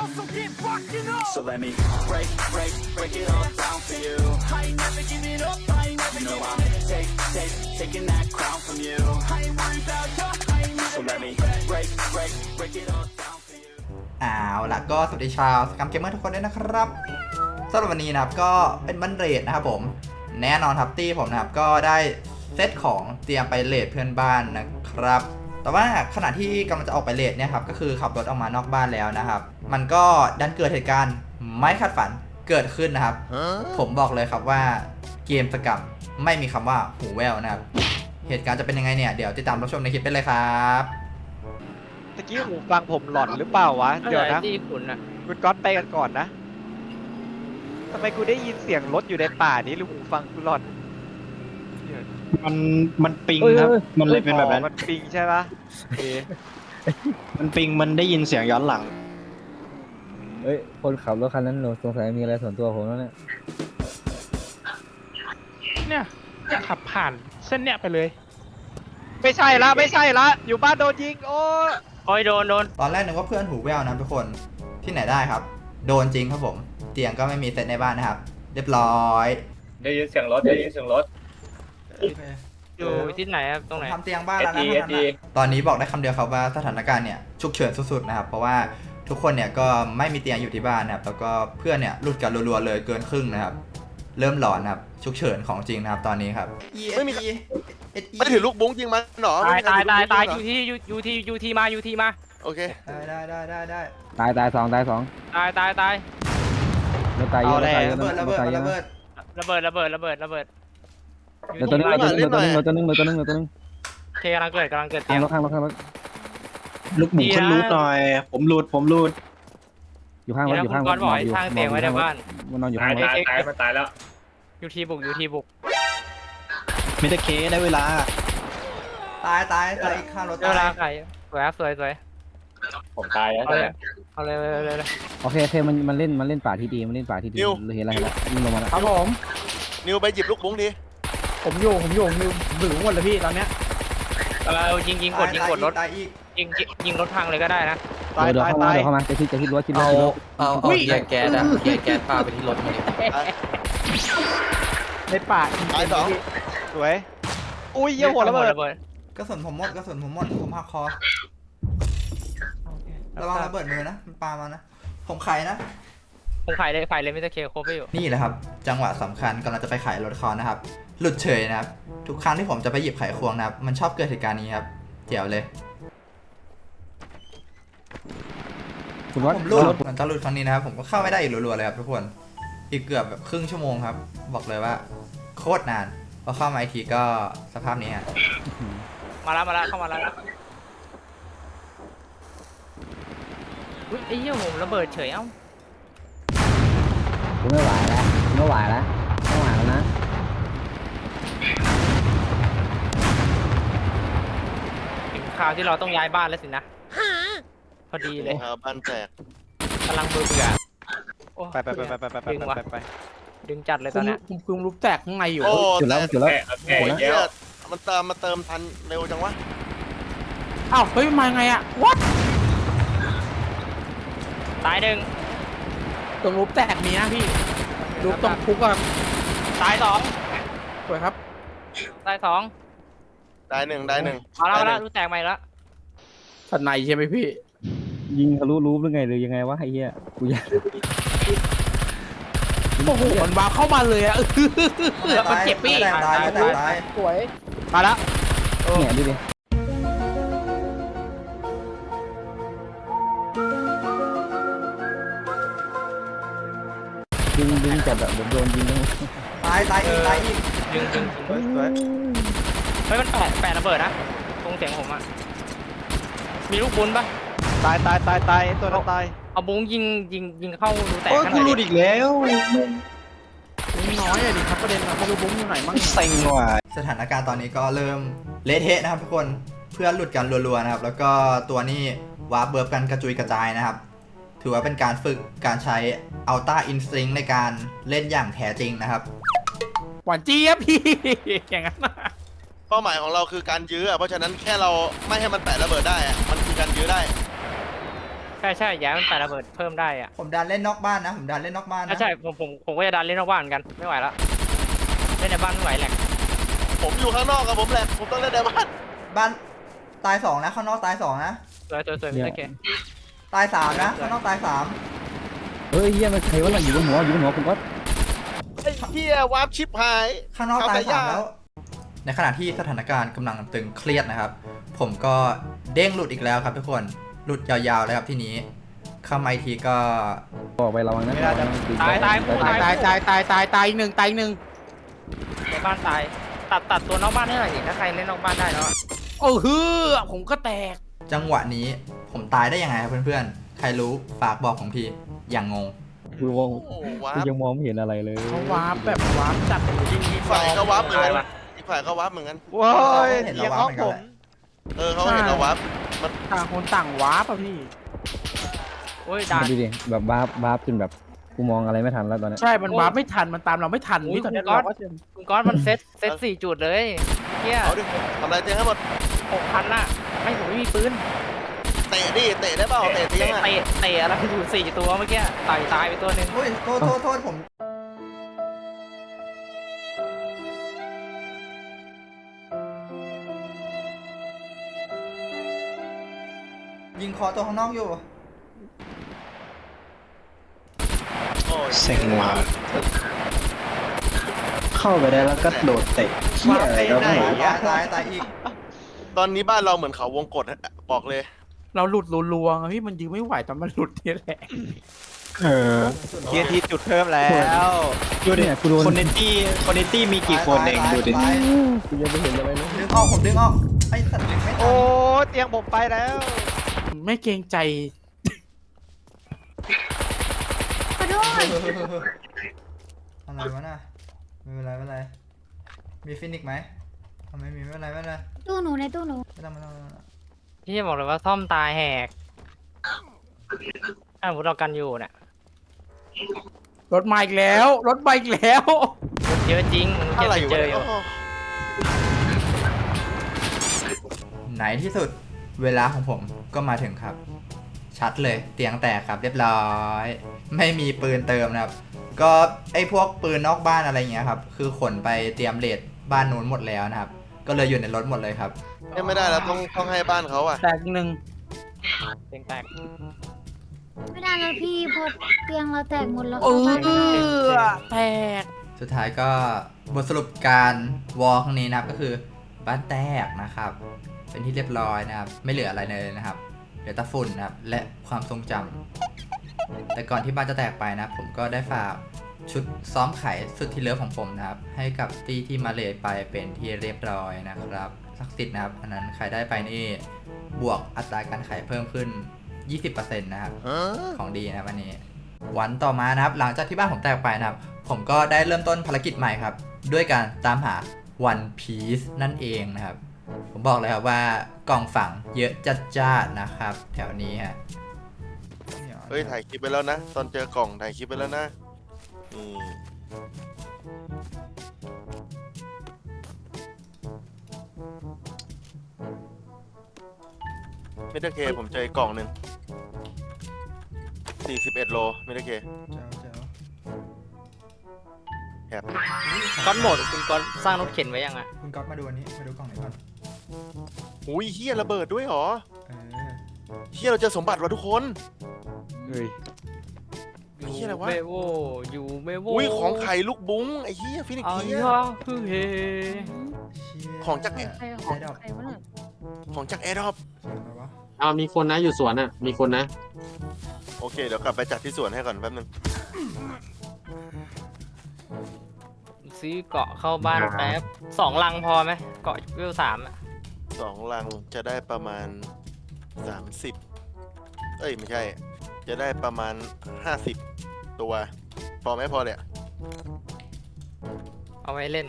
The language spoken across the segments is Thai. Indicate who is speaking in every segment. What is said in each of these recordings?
Speaker 1: So let me break it all down for you. I ain't never giving up, I ain't never giving up. Taking that crown from you. I ain't worried about you, I ain't never. So let me break it all down for you.
Speaker 2: เอาล่ะก็สวัสดีชาวสกัมเกมเมอร์ทุกคนด้วยนะครับสำหรับวันนี้นะครับก็เป็นวันเรทนะครับผมแน่นอนครับตี้ผมนะครับก็ได้เซตของเตรียมไปเรทเพื่อนบ้านนะครับแต่ว่าขณะที่กำลังจะออกไปเรทเนี่ยครับก็คือขับรถออกมานอกบ้านแล้วนะครับมันก็ดันเกิดเหตุการณ์ไม่คาดฝันเกิดขึ้นนะครับผมบอกเลยครับว่าเกมสกัมไม่มีคำว่าหูแว่วนะครับเหตุการณ์จะเป็นยังไงเนี่ยเดี๋ยวติดตามรับชมในคลิปไปเลยครับ
Speaker 3: ตะกี้หูฟังผมหลอนหรือเปล่าวะเดี๋ยวนะ
Speaker 4: ที่คุณนะ
Speaker 3: คุณก๊อตไปกันก่อนนะทำไมกูได้ยินเสียงรถอยู่ในป่านี้หรือหูฟังกูหลอน
Speaker 5: มันปิงครับ มันเลยเป็นแบบนั้น
Speaker 3: มันปิงใช่ปะโอเค
Speaker 5: มันปิง มันได้ยินเสียงย้อนหลัง
Speaker 6: เอ้ยคนขับรถคันนั้นหนูสงสัยมีอะไรส่วนตัวผมแล้วเนี่ย
Speaker 4: เนี่ยขับผ่านเส้นเนี้ยไปเลย
Speaker 3: ไม่ใช่ละอยู่บ้านโดนยิงโอ้ยโดน
Speaker 2: ตอนแรกนึกว่าเพื่อนหูแว่วนะทุกคนที่ไหนได้ครับโดนจริงครับผมเตียงก็ไม่มีเซตในบ้านนะครับเรียบร้อย
Speaker 7: ได้ยินเสียงรถ
Speaker 4: อยู่ที่ไหนครับตรงไหน
Speaker 2: ทำเตียงบ้านแล้วนะท่านนะตอนนี้บอกได้คำเดียวครับว่าสถานการณ์เนี่ยฉุกเฉินสุดๆนะครับเพราะว่าทุกคนเนี่ยก็ไม่มีเตียงอยู่ที่บ้านนะครับแล้วก็เพื่อนเนี่ยหลุดกันรัวๆเลยเกินครึ่งนะครับเริ่มหลอนนะครับฉุกเฉินของจริงนะครับตอนนี้ครับ
Speaker 8: ไม่มีไม่ถือลูกบุ้งยิงมันหรอ
Speaker 4: ตายอยู่ที่มา
Speaker 8: โอเค
Speaker 2: ได้
Speaker 6: ตายสองตายสอง
Speaker 4: ตาย
Speaker 6: ไม่ตายเยอะไม่ตายเยอะ
Speaker 2: ระเบิด
Speaker 6: ไม่ตายเยอะ
Speaker 2: ระเบิด
Speaker 4: ระเบิด
Speaker 6: เหลือตัวนึงเหลือตัวนึงเหลือตัวนึงเหลือตัวนึงเหลือตัวนึง
Speaker 4: เคกำลังเกิดเตี
Speaker 6: ข้าย ง
Speaker 4: ง
Speaker 6: รถข้างรถข้างรถ
Speaker 5: ลูกหมูขึ้นรูดหน่อย ผมรูด
Speaker 6: อยู่ข้างรถอยู่ข้างร
Speaker 4: ก้อ
Speaker 6: ถ
Speaker 4: นบ่อยทางเตียงไว้ในบ้าน
Speaker 6: มันนอนอยู่
Speaker 7: ตา
Speaker 6: ข้าย งรถ
Speaker 7: ตายมันตายแล้ว
Speaker 4: อยู่ที่บุก
Speaker 5: มิตรเคได้เวลา
Speaker 2: ตายอีกข้างรถ
Speaker 4: เวลา
Speaker 2: ตาย
Speaker 4: ใครสวย
Speaker 7: ผมตายแล้ว
Speaker 4: เอาเลย
Speaker 6: โอเคมันเล่นป่าที่ดีมันเล่นป่าที่ดีเห็นอะไรแล้วยิงลงมาแล้ว
Speaker 4: ครับผม
Speaker 8: นิวไปหยิบลูกบุ้งดิ
Speaker 4: ผมอยู่ถึงหมดเลยพี่ตอนเนี้ยยิงกดรถ
Speaker 2: ตายอีก
Speaker 4: ยิงรถพังเลยก็ได้นะ
Speaker 6: เดี๋ยวเข้ามาจะคิดรั้วคิดรั้ว
Speaker 9: เอาแยกแก๊สอะแยกแก๊สพาไปที่รถมาดิ
Speaker 4: ในป่า
Speaker 8: ตายสอง
Speaker 3: สวยอุ้ยเยี่ยหัวระเบิด
Speaker 2: กระสุนผมหมดผมหักคอระวังระเบิดมือนะมันปามานะผมไขนะ
Speaker 4: ผมขายเลยไม่จะเคโคไปอยู่
Speaker 2: นี่แหละครับจังหวะสำคัญกำลังจะไปขายรถเขานะครับหลุดเฉยนะครับทุกครั้งที่ผมจะไปหยิบไขควงนะครับมันชอบเกิดเหตุการณ์นี้ครับเจ๋วเลย
Speaker 6: คุณวัด
Speaker 2: ผมหลุดมันจะหลุดครั้งนี้นะครับผมก็เข้าไม่ได้อีกรัวๆเลยครับทุกคนอีกเกือบแบบครึ่งชั่วโมงครับบอกเลยว่าโคตรนานพอเข้ามาอีกทีก็สภาพนี้ฮะ
Speaker 4: มาแล้วเข้ามาแล้วอุ้ยไอ้เหี้ยผมระเบิดเฉยเอ้า
Speaker 6: คุณไม่ไหวแล้วไม่ไหวแล้วนะ
Speaker 4: ถึงคราวที่เราต้องย้ายบ้านแล้วสินะพอดีเลย
Speaker 8: บ้านแตก
Speaker 4: กำลังเบื่อโอ้
Speaker 3: ไป
Speaker 4: ดึงจัดเลยตอนเนี้ย
Speaker 9: คุมรูปแตกข้างในอยู่
Speaker 8: โอ้
Speaker 6: จุดแล้ว
Speaker 7: แก่แก่
Speaker 8: เนี่ยมันเติมทันเร็วจังวะ
Speaker 9: อ้าวเฮ้ยมาไงอะวัด
Speaker 4: ตายหนึ่ง
Speaker 9: ตรงรูปแตกมีนะพี่รูปตรงคุกอะ
Speaker 4: ตายสอง
Speaker 9: สวยครับ
Speaker 4: ตายสอง
Speaker 8: ได้หนึ่ง
Speaker 4: มาแล้วรู้แตกใหม่แล้ว
Speaker 9: สันในใช่ไหมพี่
Speaker 6: ยิงทะลุรูปหรือไงหรือยังไงวะไอ้เหี้ยกูอยาก
Speaker 9: โอ้โหมันวาเข้ามาเลยอะ
Speaker 4: มันเจ็บพี่
Speaker 2: ตาย
Speaker 9: สวย
Speaker 4: มาแล้ว
Speaker 6: เนี่ยดูดิดึงจับแบบโดนยิงทั้ง
Speaker 2: ตายอีก
Speaker 4: ดึง
Speaker 3: สวย
Speaker 4: เฮ้ยมันแปะระเบิดนะตรงเสียงผมอ่ะมีลูกบุญปะ
Speaker 3: ตายตัวนั้นตาย
Speaker 4: เอาบุ้งยิงเข้ารูแตก
Speaker 5: โอ้ย
Speaker 4: ข้าง
Speaker 5: กู
Speaker 4: ใน
Speaker 5: รูดอีกแล้ว
Speaker 9: น้อยอะดิครับประเด็นอะไม่รู้บุ้งอยู่ไหนมั่ง
Speaker 5: เซ็งว่ะ
Speaker 2: สถานการณ์ตอนนี้ก็เริ่มเละเทะนะครับทุกคนเพื่อนหลุดกันรัวๆนะครับแล้วก็ตัวนี้วาร์ปเบิร์ฟกันกระจุยกระจายนะครับถือว่าเป็นการฝึกการใช้อัลต้าอินสติ้งในการเล่นอย่างแท้จริงนะครับ
Speaker 9: หวานเจี๊ยบพี่ อย่างนั้น
Speaker 8: เป้าหมายของเราคือการยื้อเพราะฉะนั้นแค่เราไม่ให้มันแตะระเบิดได้มันคือการยื้อได้
Speaker 4: ใครใช่ย้ายมันปาระเบิดเพิ่มได้อ่ะ
Speaker 2: ผมดันเล่นนอกบ้านนะผมดันเล่นนอกบ้านนะ
Speaker 4: ใช่ผมก็จะดันเล่นนอกบ้านเหมือนกันไม่ไหวแล้วเล่นในบ้านไม่ไหวแหลก
Speaker 8: ผมอยู่ข้างนอกกับผมแหละผมต้องเล่นในบ้าน
Speaker 2: บ้านตาย2นะข้างนอกตาย2นะ
Speaker 4: สวยโอเค
Speaker 2: ตาย3นะข้างนอกตาย3
Speaker 6: เฮ้ยเฮียมันใครวะน่ะอยู่บนหัวคุณก๊อต
Speaker 8: ไอ้เหี้ยวาร์ปชิปหาย
Speaker 2: ข้างนอกตาย3แล้ว ในขณะที่สถานการณ์กำลังตึงเครียดนะครับ ผมก็เด้งหลุดอีกแล้วครับทุกคนหลุดยาวๆเลยครับทีนี้เข้ามาอีกทีก็
Speaker 6: บอกไประวังนะ
Speaker 4: ตายคู่
Speaker 9: ตายอีกหนึ่ง
Speaker 4: ในบ้านตายตัดตัวนอกบ้านให้หน่อยดิถ้าใครเล่นนอกบ้านได้แล้ว
Speaker 9: โอ้ฮือผมก็แตก
Speaker 2: จังหวะนี้ผมตายได้ยังไงครับเพื่อนๆใครรู้ฝากบอกผมทีอย่างงง
Speaker 6: กูมอง
Speaker 8: โอ้วา
Speaker 6: กู
Speaker 8: ร์ป
Speaker 6: ยังมองไม่เห็นอะไรเลย
Speaker 9: เขาวาร์ปแบบวาร์ปจัด
Speaker 8: อีกฝ่ายก็วาร์ปเหมือนกันอีกฝ่ายก็วาร์ปเหมือนกัน
Speaker 3: โว้ย
Speaker 2: เห็น
Speaker 3: เสียง
Speaker 2: เรา
Speaker 3: ห้
Speaker 2: วา
Speaker 3: อง
Speaker 2: ร์ปเหมือน
Speaker 3: ผ
Speaker 2: กัน
Speaker 3: ม
Speaker 2: แหละ
Speaker 8: เขาเห็นเราวาร์ปมัน
Speaker 9: ต่างคนต่างวาร์ปอะพี่
Speaker 4: โอ้ยดัน
Speaker 6: ดูดิแบบวาร์ปจนแบบกูมองอะไรไม่ทันแล้วตอนนี้
Speaker 9: ใช่มันวาร์ปไม่ทันมันตามเราไม่ทันนี่ตอนนี้เราก็จะ
Speaker 4: คุณก้อนมันเซต4 จุดเลยเฮีย
Speaker 8: เอาดิทำอะไรเจ๊ให้หมด
Speaker 4: 6,000น่ะไม่ผมไม่มีปืน
Speaker 8: เตะดิเตะได้เปล่าเตะเตียงอ่ะ
Speaker 4: เตะอะไรอยู่4 ตัวเมื่อกี้ตายไปตัวหนึ่ง
Speaker 2: โอ้ยโทษผมยิงคอตัวข้างนอกอยู่
Speaker 8: โอ้ย
Speaker 5: เซ็งว่ะเข้าไปได้แล้วก็โดดเตะเหี้ยอะไรก็ไม่รู้
Speaker 2: ตายอีก
Speaker 8: ตอนนี้บ้านเราเหมือนเขาวงกตบอกเลย
Speaker 9: เราหลุดรัวๆอะพี่มันยืนไม่ไหวตอนมันหลุดนี่แหละ
Speaker 5: เออ
Speaker 3: เทียทีจุดเพิ่มแล้ว
Speaker 5: ดูดิ
Speaker 6: กูโดน
Speaker 5: คนในตี้มีกี่คนเองดูดิ
Speaker 6: กูยังไม่เห็นอะไรเลย
Speaker 2: ดึงออกผมดึงออกไอ้สัตว์ดึงไม่ทั
Speaker 3: โอ้
Speaker 2: น
Speaker 3: เตียงผมไปแล้ว
Speaker 9: ไม่เกรงใจ
Speaker 2: อะไรวะน่ะไม่เป็นไรมีฟินิกไหมทำไมมีไม่เป็นไร
Speaker 10: ตู้หนูในตู้หนู
Speaker 2: ไม่ต้อง
Speaker 4: พี่บอกเลยว่าซ่อมตายแหกถ้าสมมติเรากันอยู่เนี่ย
Speaker 9: รถมาอีกแล้วรถมาอีกแล้ว
Speaker 4: เยอะจริงมัน
Speaker 8: อะไร
Speaker 4: เจออยู่
Speaker 2: ไหนที่สุดเวลาของผมก็มาถึงครับ ชัดเลยเตียงแตกครับเรียบร้อย ไม่มีปืนเติมนะครับ ก็ไอ้พวกปืนนอกบ้านอะไรเงี้ยครับคือขนไปเตรียมเลทบ้านนู้นหมดแล้วนะครับ ก็เลยอยู่ในรถหมดเลยครับ
Speaker 8: ไม่ได้แล้วต้องให้บ้านเขาอ่ะ
Speaker 9: แตกหนึ่ง
Speaker 4: เตียงแตก
Speaker 10: ไม่ได้แล้วพี่พอเตียงเราแตกหมดแล้ว
Speaker 9: เอ
Speaker 10: เข้าบ้านไม่ได้
Speaker 9: อแตก
Speaker 2: สุดท้ายก็บทสรุปการวอลครั้งนี้นะครับก็คือบ้านแตกนะครับ เป็นที่เรียบร้อยนะครับ ไม่เหลืออะไรเลยนะครับเหลือแต่ฝุ่นนะครับและความทรงจำแต่ก่อนที่บ้านจะแตกไปนะครับผมก็ได้ฝากชุดซ้อมไขสุดที่เลิฟของผมนะครับ ให้กับตี้ที่มาเลทไปเป็นที่เรียบร้อยนะครับศักดิ์สิทธิ์นะครับอันนั้นใครได้ไปนี่บวกอัตราการไขเพิ่มขึ้น 20% นะครับ ของดีนะครับวันนี้ วันต่อมานะครับหลังจากที่บ้านผมแตกไปนะครับผมก็ได้เริ่มต้นภารกิจใหม่ครับด้วยการตามหา One Piece นั่นเองนะครับผมบอกเลยครับว่ากล่องฝังเยอะจัดๆนะครับแถวนี้ฮะ
Speaker 8: เฮ้ยถ่ายคลิปไปแล้วนะตอนเจอกล่องถ่ายคลิปไปแล้วนะไม่ได้เคผมเจออีกกล่องหนึ่ง41 โลไม่ได้เคแอบ
Speaker 4: ก้อนหมดคุณก้อนสร้างรถเข็นไว้ยังอ่ะ
Speaker 2: คุณก๊อตมาดูอันนี้มาดูกล่องไหนก่อน
Speaker 8: อุ้ยเฮียระเบิดด้วยเหรอ
Speaker 2: เออ
Speaker 8: เฮียเราเจอสมบัติว่ะทุกคน
Speaker 3: เฮ้ย
Speaker 8: ไอ้เฮียอะไรวะ
Speaker 4: เมโวอยู่เมโว
Speaker 8: อุ้ยของไข่ลูกบุ้งไอ้เฮียฟินิก
Speaker 4: อ๋อ
Speaker 8: เฮีย
Speaker 4: คือเฮ
Speaker 8: ของจาก
Speaker 10: ใครของใครวะเนี่ย
Speaker 8: ของจากแอร์ดรอป
Speaker 7: เอามีคนนะอยู่สวนอ่ะมีคนนะ
Speaker 8: โอเคเดี๋ยวกลับไปจัดที่สวนให้ก่อนแป๊บนึง
Speaker 4: ซื้อเกาะเข้าบ้านแป๊บ2 ลังพอไหมเกาะเวล3อ่ะ
Speaker 8: 2 ลังจะได้ประมาณ30เอ้ยไม่ใช่ จะได้ประมาณ50ตัวพอไหมพอเลยอะ
Speaker 4: เอาไว้เล่น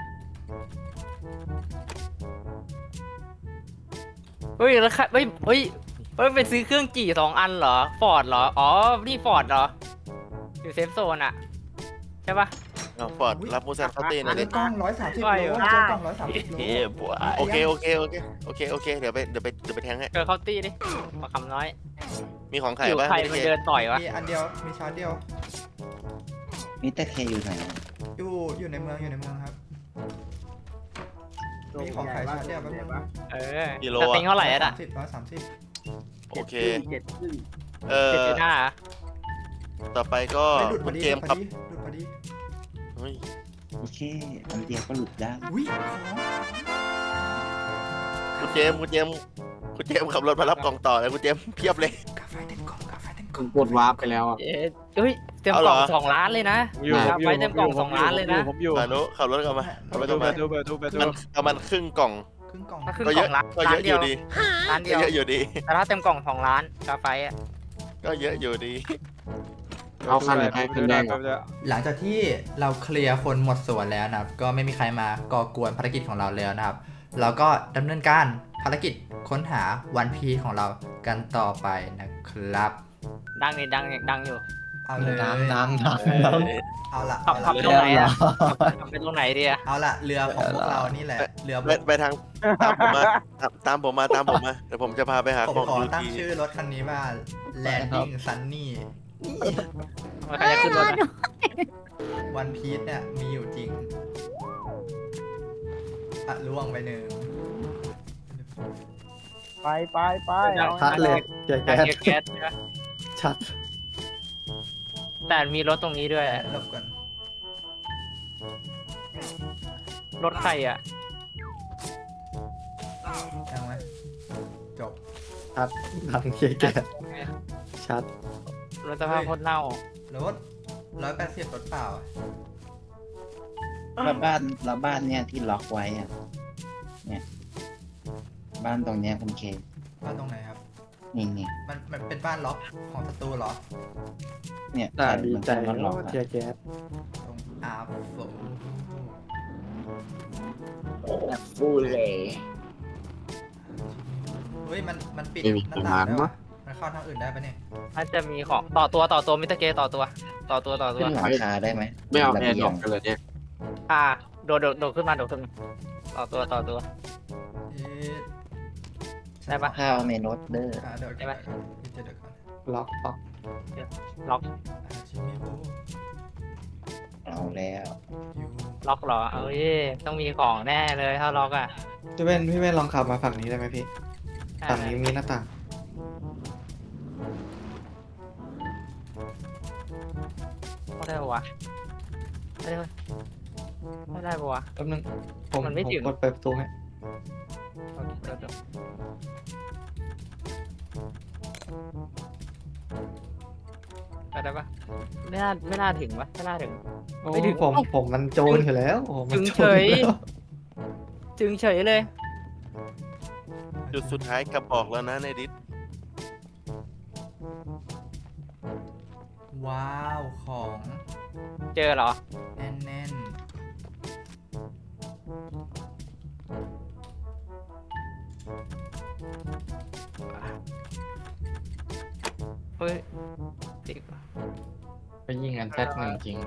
Speaker 4: เฮ้ยแล้วค่ะเฮ้ยไปซื้อเครื่องจี่2 อันเหรอฟอร์ดเหรออ๋อนี่ฟอร์ดเหรออยู่เซฟโซนอ่ะใช่ปะ
Speaker 8: เอาฟอร์ดรับมูซันเข้าตีหน่อย
Speaker 2: เจ
Speaker 8: ดิ
Speaker 2: อกล่อง130 โลเจอกล่อง130 โล
Speaker 8: โอเคเดี๋ยวไปแทงให้
Speaker 4: เจอเขาตี้ดิมาคำน้อย
Speaker 8: มีของขาย
Speaker 4: อยู่
Speaker 8: ป่ะ
Speaker 4: ใครมันเดินต่อยวะ
Speaker 2: มีอันเดียวมีชาร์จเดียว
Speaker 5: มิสเตอร์เคอยู่ไหน
Speaker 2: อยู่ในเมืองครับ มีของขายชาร์จเดียวแป๊บนึง
Speaker 4: เออ
Speaker 8: กิโล
Speaker 4: สติงเท่าไหร่อะ
Speaker 2: 130
Speaker 8: โอเค
Speaker 6: 7.5
Speaker 4: 7.5
Speaker 8: ต่อไปก็
Speaker 2: ไม่หลุดพ
Speaker 8: คุ
Speaker 2: อ
Speaker 8: ณ
Speaker 2: ดี
Speaker 8: เจมส์ครับ
Speaker 2: หลุดพอดี
Speaker 8: เฮ้ย
Speaker 5: โอเคอันเดียวก็หลุดได้
Speaker 2: อุ้ย
Speaker 8: คุณเจมส์ขับรถมารับกล่องต่อเลยคุณเจมส์เพียบเลย
Speaker 2: กาแฟเต็มกล่องกาแฟเต็มก
Speaker 7: ผ
Speaker 2: ล่อง
Speaker 7: มกดวาร์ปไปแล้วอ่ะ
Speaker 4: เฮ้ยเต็ม
Speaker 8: เอา
Speaker 4: ก
Speaker 8: เหร
Speaker 4: ล่
Speaker 8: อ
Speaker 4: อง2 ล้านเลยนะ
Speaker 3: อยู่
Speaker 4: ครับไว้เต็มกล่อง2 ล้านเลยนะ
Speaker 3: ผมอยู่
Speaker 8: มานุขับรถกลับมาขับรถกลับมา
Speaker 3: ไปดู
Speaker 8: มันครึ่งกล่อง
Speaker 2: ครึ่งกล่อง
Speaker 4: ก็ครึ่ง
Speaker 8: ก็
Speaker 4: ก
Speaker 8: เย
Speaker 4: ล่อ
Speaker 8: อะ
Speaker 4: งล้าน
Speaker 8: ก็
Speaker 4: ล้า
Speaker 8: เย
Speaker 4: น
Speaker 8: อะอ
Speaker 4: เดียว
Speaker 8: ยู่ดี
Speaker 4: ล้านเดี
Speaker 8: ก็
Speaker 4: ยว
Speaker 8: เยอะอยู่ดี
Speaker 4: แต่ถ้าเต็มกล่อง2 ล้านกาไฟอะ
Speaker 8: ก็เยอะอยู่ดี
Speaker 7: เอาคันไหนไปคันแดงเหรอ
Speaker 2: หลังจากที่เราเคลียร์คนหมดส่วนแล้วนะครับ ก็ไม่มีใครมาก่อกวนภารกิจของเราแล้วนะครับ เราก็ดำเนินการภารกิจค้นหาวันพีของเรากันต่อไปนะครับ
Speaker 4: ดังนี่ดังอยู่
Speaker 2: เอาเลย
Speaker 6: ดัง
Speaker 2: เอาละ
Speaker 4: ขับ
Speaker 2: เอา
Speaker 4: ตรง
Speaker 2: ละ
Speaker 4: ไหนอะขับไปตรงไหนดีอะ
Speaker 2: เอาละเรือของพวกเรานี่แหละเรือ
Speaker 8: ไปทางตามผมมาเดี๋ยวผมจะพาไปหา
Speaker 2: ผม
Speaker 8: ของ
Speaker 2: ขอ
Speaker 8: ดู
Speaker 2: ตั้ง
Speaker 8: ที
Speaker 2: ชื่อรถคันนี้ว่า Landing Sunny
Speaker 4: ใครจะขึ้นรถอะ
Speaker 2: วันพีชเนี่ยมีอยู่จริงอะล่วงไปหนึ่ง
Speaker 6: ไป
Speaker 4: ชัดเลยแก๊สใช่ไหม
Speaker 6: ชัด
Speaker 4: แต่มีรถตรงนี้ด้วย
Speaker 2: หลบก่อน
Speaker 4: รถใครอะ
Speaker 2: ยังไหมจบ
Speaker 6: ดังเกียร์แกชัด
Speaker 4: รถสภาพโคตรเน่าร
Speaker 2: ถ180รถเปล่า
Speaker 5: แล้วบ้านเนี่ยที่ล็อกไว้อะเนี่ย บ้านตรงเนี้ยคุณเค
Speaker 2: บ้านตรงไหนครับ
Speaker 5: นี่
Speaker 2: มันเป็นบ้านล็อกของศัตรูเหรอ
Speaker 5: เนี่ย
Speaker 6: ดีใจ
Speaker 5: มันล็อก
Speaker 6: เกียร์แก๊ส
Speaker 2: ตรงอาร์โฟ
Speaker 5: ฟูเลย
Speaker 2: เฮ้ยมันปิด
Speaker 7: ไม่มี
Speaker 2: หน้าต่าง
Speaker 7: ปัญหา
Speaker 2: ได้
Speaker 7: มั้
Speaker 2: วะ
Speaker 7: ย
Speaker 2: มันเข้าทางอื่นได้ปะเนี่ย
Speaker 4: น่าจะมีของต่อตัวมิสเตอร์เกต่อตัว
Speaker 5: ขึ้นหลังคาได้ไหม
Speaker 7: ไม่เอา
Speaker 5: ระ
Speaker 7: แอร์
Speaker 5: บี
Speaker 7: ด
Speaker 5: ย
Speaker 7: รอง ปกันเลยเนี่ย
Speaker 4: โดดขึ้นมาต่อตัว
Speaker 2: เอ๊ะ
Speaker 4: ได้ปะ
Speaker 5: ข้าวเมนอสเดอร์
Speaker 2: เดี๋ยว
Speaker 4: ได้ไหม
Speaker 2: เดี๋ยวก่อน
Speaker 6: ล็อก
Speaker 4: ล็อก
Speaker 2: ชิมิโบ
Speaker 5: เอาแล้ว
Speaker 2: ยู
Speaker 4: ล็อกเหรอเอ้ยต้องมีของแน่เลยถ้าล็อกอะ
Speaker 6: พี่เว้นลองขับมาฝั่งนี้ได้ไหมพี่ฝั่งนี้มีหน้าต่าง
Speaker 4: ไม่ได้ปะวะไม่ได้ปะวะ
Speaker 6: แป๊บนึงผม
Speaker 4: มันไม่ถึง
Speaker 6: กดเปิดประตูให้
Speaker 4: โอเคเดี๋ยวไปได้ปะไม่น่าถึงปะไม่น่าถึง
Speaker 6: โอ้
Speaker 4: ไม่ถึง
Speaker 6: ผมมันโจรอยู่แล้วโอ้มัน
Speaker 4: จึง
Speaker 6: โจรอยู่แล้ว
Speaker 4: จึงเฉยเลย
Speaker 8: จุดสุดท้ายกลับออกแล้วนะในดิส
Speaker 2: ว้าวของ
Speaker 4: เจอเหรอ
Speaker 2: แน่น
Speaker 4: เฮ้ยติด
Speaker 6: ไปยิงกันแซดหนึ่งจริงเลย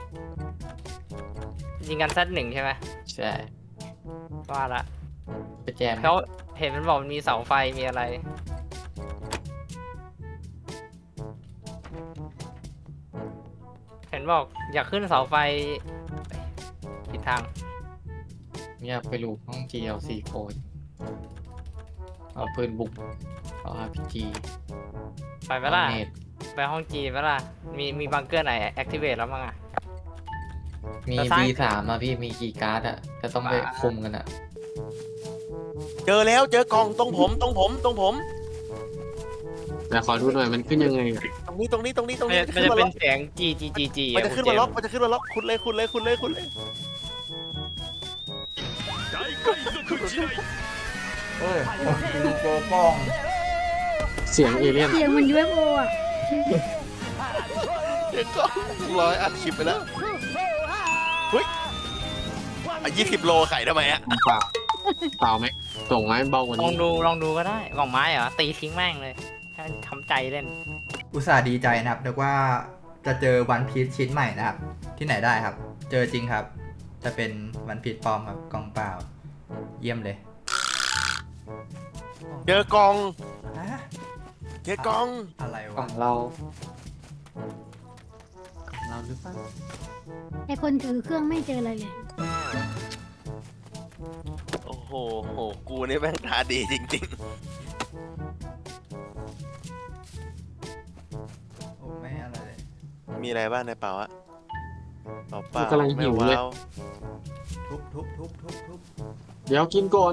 Speaker 4: ยิงกันซัด1ใช่ไหม
Speaker 6: ใช่
Speaker 4: ว่าละ
Speaker 6: ไปแจม
Speaker 4: เขาเห็นมันบอกมันมีเสาไฟมีอะไร เห็นบอกอยากขึ้นเสาไฟผิดทาง
Speaker 6: เนี่ยไปลูกห้อง GLC โคดเอาปืนบุกเอา RPG
Speaker 4: ไปไหมล่ะ
Speaker 6: เนต
Speaker 4: ไปห้องจีไหมล่ะ มีบังเกอร์ไหนแอคทีเวตแล้วมั้งอ่ะ
Speaker 6: มี
Speaker 4: แล้วซ้าย
Speaker 6: B3 อ่ะพี่มีกี่การ์ดอ่ะจะต้องไปคุมกันอ่ะ
Speaker 8: เจอแล้วเจอกล่องตรงผม
Speaker 7: แต่ขอดูหน่อยมันขึ้นยังไงอะ
Speaker 8: ตรงนี้
Speaker 4: มัน
Speaker 8: ขึ้
Speaker 4: จะ
Speaker 8: นมา
Speaker 4: เป็
Speaker 8: ล็อน ก
Speaker 4: เสียงจี
Speaker 8: มันจะขึ้นมาล็อกคุณเลย
Speaker 2: เอ้ยดูโปรป้อง
Speaker 7: เสียงเอเลี่ยน
Speaker 10: เสียงเหมัน UFO อ่ะ
Speaker 8: เดี๋ยวก็ร้อยอัดคลิปไปแล้วเฮ้ย20 โลไข่ทำไมอะ
Speaker 7: เปล่าไหมส่งไหมเบากว่า
Speaker 4: ลอง
Speaker 7: นี้
Speaker 4: ดูก็ได้กล่องไม้เหรอ ตีทิ้งแม่งเลยให้มันทำใจเล่น
Speaker 2: อุตส่าห์ดีใจนะครับนึกว่าจะเจอวันพีชชิ้นใหม่นะครับ ที่ไหนได้ครับ เจอจริงครับ จะเป็นวันพีชปลอมครับกล่องเปล่า เยี่ยมเลย
Speaker 8: เจอกล่อง
Speaker 2: ฮะ
Speaker 8: เจ๊กล้อง
Speaker 2: อะไร
Speaker 6: ขอ
Speaker 2: วะ
Speaker 6: งเราของเราหรือเปล่า
Speaker 10: ไอคนถือเครื่องไม่เจออะไรเลย
Speaker 8: โอ้โหกูนี่แม่งตาดีจริง
Speaker 2: โอ้ไม่อะไรเลย
Speaker 8: ๆ มีอะไรบ้างในเป๋าอะเป๋าเปล่า
Speaker 7: กูกำลังหิวเลย
Speaker 8: ไม่า
Speaker 2: ทุบ
Speaker 7: เดี๋ยวกินก่อน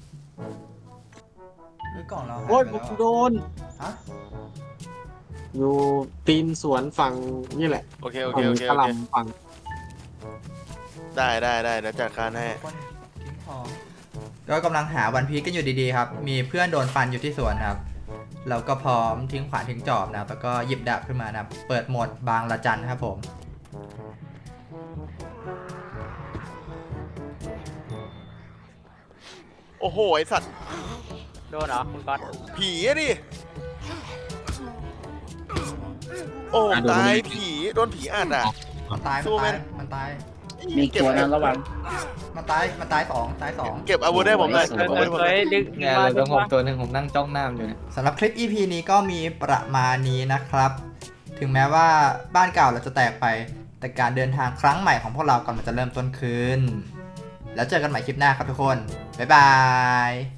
Speaker 2: หรือกล่องเราหาย
Speaker 7: โอ้ย
Speaker 2: ไป
Speaker 7: กู
Speaker 2: แล้ว
Speaker 7: โดน
Speaker 2: ฮะ
Speaker 7: อยู่ตีนสวนฝั่งนี่แหละ
Speaker 8: โอเค
Speaker 7: ฝั่งกะหล่ำฝั่ง
Speaker 8: ได้เดี๋ยวจัดการให้
Speaker 2: คนทิ้งของก็กำลังหาวันพีชกันอยู่ดีๆครับ มีเพื่อนโดนฟันอยู่ที่สวนครับ เราก็พร้อมทิ้งขวานทิ้งจอบนะครับแล้วก็หยิบดาบขึ้นมานะครับ เปิดโหมดบางละจันครับผม
Speaker 8: โอ้โห ไอสัตว์
Speaker 4: โดนเหรอคุณก๊อต
Speaker 8: ผีอะดิ โอ้ตายผีโดนผีอัดอ่ะ
Speaker 2: มันตาย
Speaker 8: สู้ไหม
Speaker 2: มันตาย
Speaker 5: มีตัวนั้นระวัง
Speaker 2: มันตายสอง
Speaker 8: เก็บอาวุธได้ผมหน่อย
Speaker 5: โอ้
Speaker 8: เก็บ
Speaker 5: โห
Speaker 8: อาวุธให้ผมหน่อย
Speaker 4: ดึก
Speaker 6: เนี่ยเราต้องผมตัวหนึ่งผมนั่งจ้องหน้ามันอยู่เนี่ย
Speaker 2: สำหรับคลิป EP นี้ก็มีประมาณนี้นะครับ ถึงแม้ว่าบ้านเก่าเราจะแตกไป แต่การเดินทางครั้งใหม่ของพวกเรากำลังจะเริ่มต้นขึ้น แล้วเจอกันใหม่คลิปหน้าครับทุกคน บ๊ายบาย